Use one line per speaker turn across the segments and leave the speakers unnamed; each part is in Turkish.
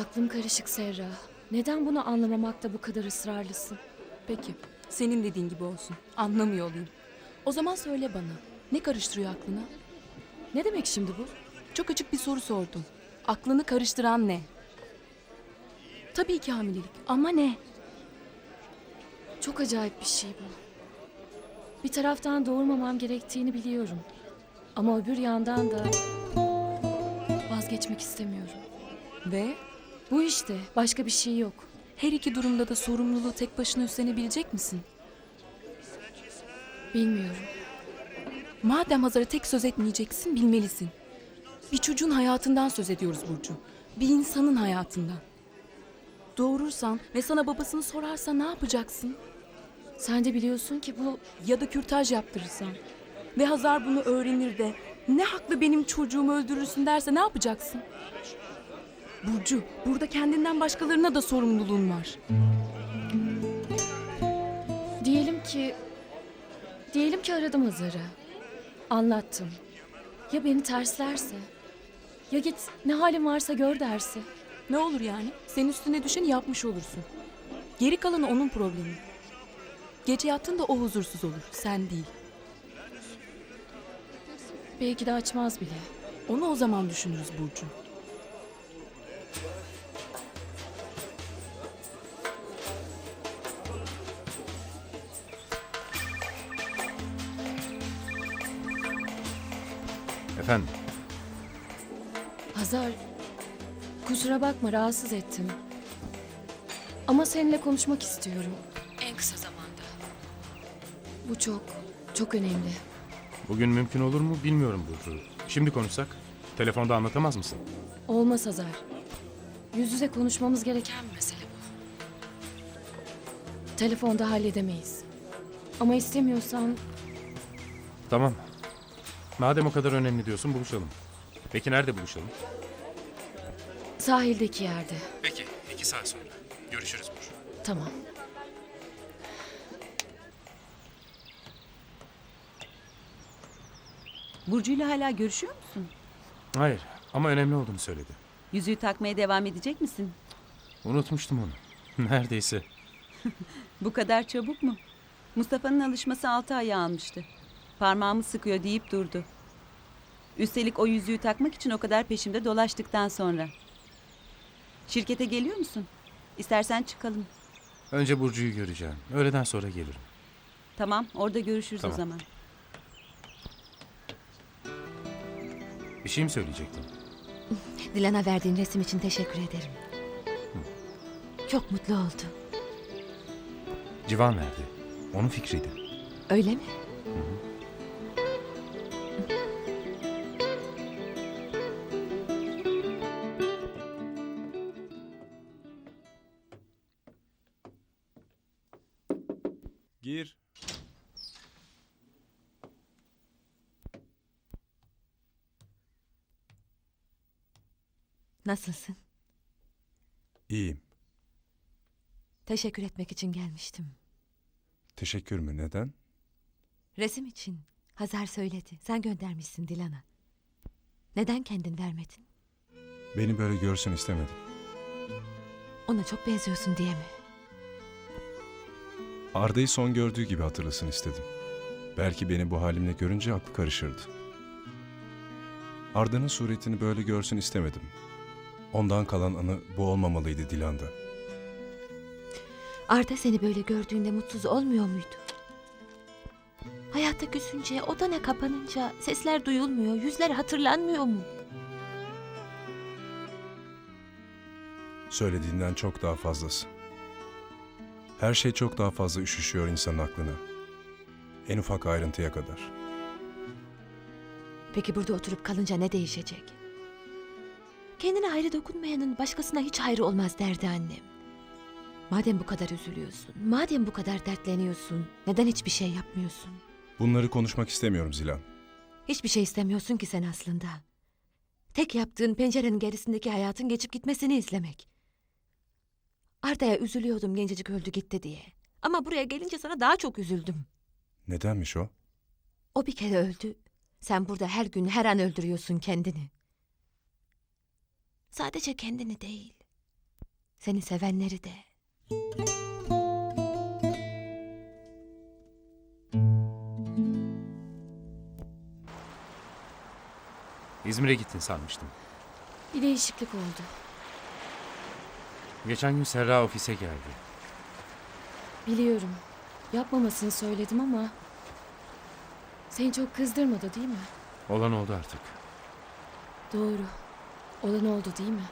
Aklım karışık Serra. Neden bunu anlamamakta bu kadar ısrarlısın?
Peki, senin dediğin gibi olsun. Anlamıyor olayım. O zaman söyle bana, ne karıştırıyor aklına?
Ne demek şimdi bu?
Çok açık bir soru sordum. Aklını karıştıran ne? Tabii ki hamilelik ama ne?
Çok acayip bir şey bu. Bir taraftan doğurmamam gerektiğini biliyorum. Ama öbür yandan da vazgeçmek istemiyorum.
Ve
Bu işte, başka bir şey yok.
her iki durumda da sorumluluğu tek başına üstlenebilecek misin?
Bilmiyorum.
Madem Hazar'a tek söz etmeyeceksin, bilmelisin. Bir çocuğun hayatından söz ediyoruz Burcu. Bir insanın hayatından. Doğurursan ve sana babasını sorarsa ne yapacaksın?
Sen de biliyorsun ki bu...
Ya da kürtaj yaptırırsan ve Hazar bunu öğrenir de ne haklı benim çocuğumu öldürürsün derse ne yapacaksın? Burcu, burada kendinden başkalarına da sorumluluğun var.
Diyelim ki aradım Hazar'ı. Anlattım. Ya beni terslerse? Ya git ne halin varsa gör derse?
Ne olur yani? Senin üstüne düşeni yapmış olursun. Geri kalanı onun problemi. Gece yattığında o huzursuz olur, sen değil.
Belki de açmaz bile.
Onu o zaman düşünürüz Burcu.
Efendim,
Hazar, kusura bakma rahatsız ettim. Ama seninle konuşmak istiyorum. En kısa zamanda. Bu çok, çok önemli.
bugün mümkün olur mu bilmiyorum Burcu. Şimdi konuşsak, telefonda anlatamaz mısın?
Olmaz Hazar. Yüz yüze konuşmamız gereken bir mesele bu. Telefonda halledemeyiz. Ama istemiyorsan
Tamam. Madem o kadar önemli diyorsun, buluşalım. Peki nerede buluşalım?
sahildeki yerde.
Peki, 2 saat sonra. Görüşürüz Burcu.
Tamam.
Burcu'yla hala görüşüyor musun?
Hayır, ama önemli olduğunu söyledi.
Yüzüğü takmaya devam edecek misin?
Unutmuştum onu. Neredeyse.
Bu kadar çabuk mu? Mustafa'nın alışması 6 ay almıştı. Parmağımı sıkıyor deyip durdu. Üstelik o yüzüğü takmak için o kadar peşimde dolaştıktan sonra. Şirkete geliyor musun? İstersen çıkalım.
Önce Burcu'yu göreceğim. Öğleden sonra gelirim.
Tamam, orada görüşürüz
Tamam.
o zaman.
Bir şey mi söyleyecektin?
Dilan'a verdiğin resim için teşekkür ederim. Çok mutlu oldu.
Civan verdi. Onun fikriydi.
Öyle mi?
Gir.
Nasılsın?
İyiyim.
Teşekkür etmek için gelmiştim.
Teşekkür mü? Neden?
Resim için. Hazar söyledi. Sen göndermişsin Dilan'a. Neden kendin vermedin?
Beni böyle görsün istemedim.
Ona çok benziyorsun diye mi?
Arda'yı son gördüğü gibi hatırlasın istedim. Belki beni bu halimle görünce aklı karışırdı. Arda'nın suretini böyle görsün istemedim. Ondan kalan anı bu olmamalıydı Dilan'da.
Arda seni böyle gördüğünde mutsuz olmuyor muydu? Hayatta küsünce, odana kapanınca sesler duyulmuyor, yüzler hatırlanmıyor mu?
Söylediğinden çok daha fazlası. Her şey çok daha fazla üşüşüyor insanın aklına. En ufak ayrıntıya kadar.
Peki burada oturup kalınca ne değişecek? Kendine hayrı dokunmayanın başkasına hiç hayrı olmaz derdi annem. Madem bu kadar üzülüyorsun, madem bu kadar dertleniyorsun, neden hiçbir şey yapmıyorsun?
Bunları konuşmak istemiyorum Zilan.
Hiçbir şey istemiyorsun ki sen aslında. Tek yaptığın pencerenin gerisindeki hayatın geçip gitmesini izlemek. Arda'ya üzülüyordum gencecik öldü gitti diye. Ama buraya gelince sana daha çok üzüldüm.
Nedenmiş o?
O bir kere öldü. Sen burada her gün her an öldürüyorsun kendini. Sadece kendini değil. Seni sevenleri de.
İzmir'e gittin sanmıştım.
Bir değişiklik oldu.
Geçen gün Serra ofise geldi.
Biliyorum. Yapmamasını söyledim ama... Seni çok kızdırmadı değil mi?
Olan oldu artık.
Doğru. Olan oldu değil mi?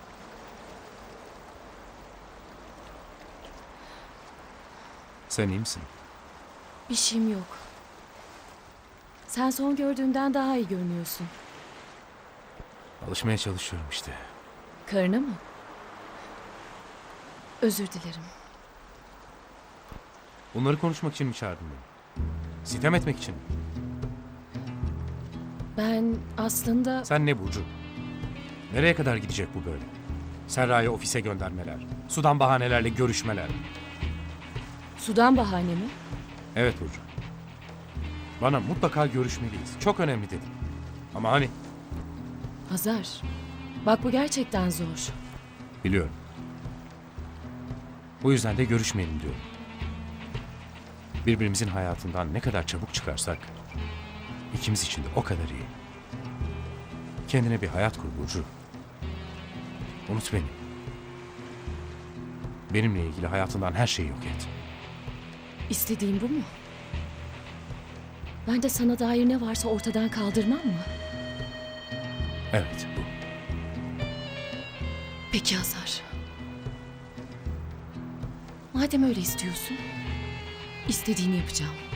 Sen iyi misin?
Bir şeyim yok. Sen son gördüğünden daha iyi görünüyorsun.
Alışmaya çalışıyorum işte.
Karına mı? Özür dilerim.
Bunları konuşmak için mi çağırdın beni? Sitem etmek için mi?
Ben aslında...
Sen ne Burcu? Nereye kadar gidecek bu böyle? Serra'yı ofise göndermeler, sudan bahanelerle görüşmeler.
Sudan bahane mi?
Evet Burcu. Bana mutlaka görüşmeliyiz. Çok önemli dedim. Ama hani?
Hazar. Bak bu gerçekten zor.
Biliyorum. Bu yüzden de görüşmeyelim diyorum. Birbirimizin hayatından ne kadar çabuk çıkarsak ikimiz için de o kadar iyi. Kendine bir hayat kur Burcu. Unut beni. Benimle ilgili hayatından her şeyi yok et.
İstediğin bu mu? Ben de sana dair ne varsa ortadan kaldırmam mı?
Evet bu.
Peki Hazar. Madem öyle istiyorsun, istediğini yapacağım.